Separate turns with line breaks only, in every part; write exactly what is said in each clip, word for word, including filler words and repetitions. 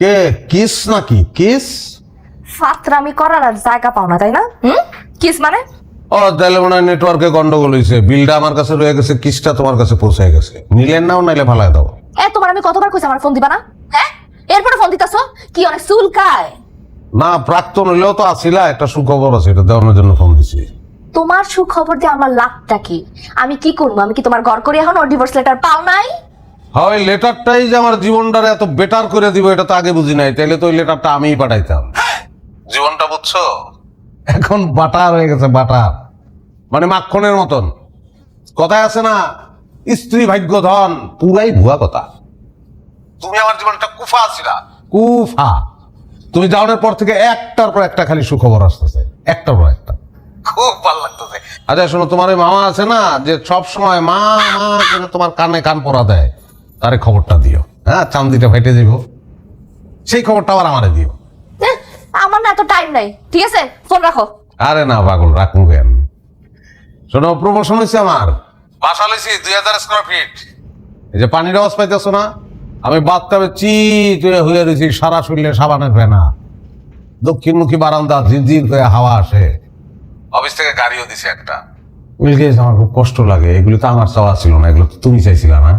কে kiss নাকি kiss?
ফাতরামি করার আর জায়গা পাও না তাই না? হুম কিস মানে?
ও তাহলে মনে হয় নেটওয়ার্কে গন্ডগোল হয়েছে, বিলটা আমার কাছে রয়ে গেছে, কিসটা তোমার কাছে পৌঁছায় গেছে। নিলেন নাও নাইলে ফালায় দাও।
এ তোমার আমি কতবার কইছি আমার ফোন দিবা না? হ্যাঁ এরপরে ফোন দিতাছো কি অনেক চুলকায়?
না প্রাক্তন হইলেও তো আসিলা, একটা সুখবর আছে, এটা দেওয়ানোর জন্য ফোন দিছি।
তোমার সুখবর দিয়ে আমার লাভটা কি? আমি কি করবো? আমি কি তোমার ঘর করে এখন ওর ডিভোর্স লেটার পাও নাই?
হয় লেটারটাই যে আমার জীবনটারে এত বেটার করে দিব এটা তো আগে বুঝি নাই, তাইলে তো ওই লেটারটা আমিই পাঠাইতাম। জীবনটা বুঝছো, এখন বাটার হয়ে গেছে, বাটার মানে মাখনের মতন। কথায় আছে না, স্ত্রী ভাগ্য ধন, পুরাই ভুয়া কথা। তুমি আমার জীবনটা কুফা আছিলা, কুফা। তুমি যাওয়ার পর থেকে একটার পর একটা খালি সুখবর আসতেছে, একটার পর একটা, খুব ভালো লাগতেছে। আচ্ছা শোনো, তোমার ওই মামা আছে না যে সব সময় মা মা করে তোমার কানে কান পরা দেয়, তারে খবরটা দিও। হ্যাঁ, চান্দিটা ফেটে দিব, সেই খবরটা আবার আমারে দিও।
এহ, আমার না এত টাইম নাই, ঠিক আছে ফোন রাখো।
আরে না পাগল, রাখুন কেন। শোনো, প্রমোশন হয়েছে আমার, বাসা লইছি দুই হাজার স্কোয়ার ফিট। এই যে পানির আওয়াজ পাইতেছো না, আমি বাথটাবে চিট হয়ে হয়ে রয়েছি, সারা শরীরে সাবানের ফেনা, দক্ষিণমুখী বারান্দা, ঝিরঝির করে হাওয়া আসে। অফিস থেকে গাড়িও দিছে একটা। মিলগেছে, আমার খুব কষ্ট লাগে, এগুলো তো আমার চাওয়া ছিল না, এগুলো তো তুমি চাইছিলা না।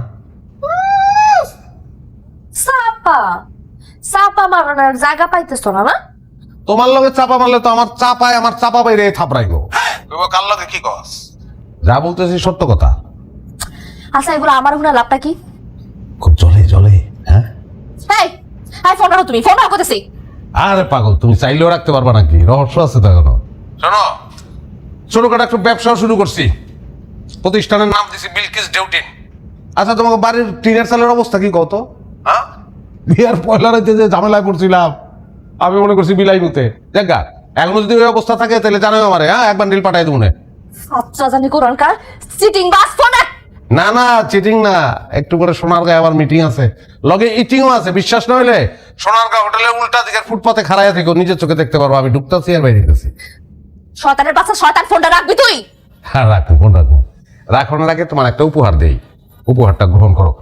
চাপা চাপা মারানোর জায়গা পাইতেছো না না?
তোমার লগে চাপা মারলে তো আমার চাপায় আমার চাপা বাইরে থাপড়াইবো। কার লগে কি কস? যা বলতেছি সত্য কথা।
আচ্ছা এগুলো আমার হুনা লাভটা কি?
খুব জলে জলে। হ্যাঁ,
এই এই ফোন রাখো, তুমি ফোন রাখো করতেছি।
আরে পাগল, তুমি চাইলেও রাখতে পারবা নাকি? রহস্য আছে তো এখনো। শোনো, ছোটখাটো একটা ব্যবসাও শুরু করছি, প্রতিষ্ঠানের নাম দিছি বিলকিস ডেউটিন। আচ্ছা, তোমাকে বাড়ির টিনের চালের অবস্থা কি কত? হ্যাঁ, বিয়ার পয়লা রাইতে যে ঝামেলায় পড়ছিলাম, আমি মনে করছি বিলাই মুতে দেখা। এখনো যদি ওই অবস্থা থাকে তাহলে জানোই আমারে। হ্যাঁ, একবার ডিল পাঠাই দেবো।
আচ্ছা জানি কোরআনকার সিটিং বাস ফোন রাখ।
না না, চিটিং না, একটু করে সোনারগাঁয়ে আবার মিটিং আছে, লগে ইটিংও আছে। বিশ্বাস না হলে সোনারগাঁ হোটেলের উল্টা দিকের ফুটপাতে খাড়াইয়া থেকো, নিজের চোখে দেখতে পারবো আমি ঢুকতেছি আর বাইরে গেছি।
শয়তানের বাচ্চা, শয়তান ফোনটা রাখবি তুই।
হ্যাঁ রাখো, ফোন রাখো। রাখানোর আগে তোমার একটা উপহার দেই, উপহারটা গ্রহণ করো।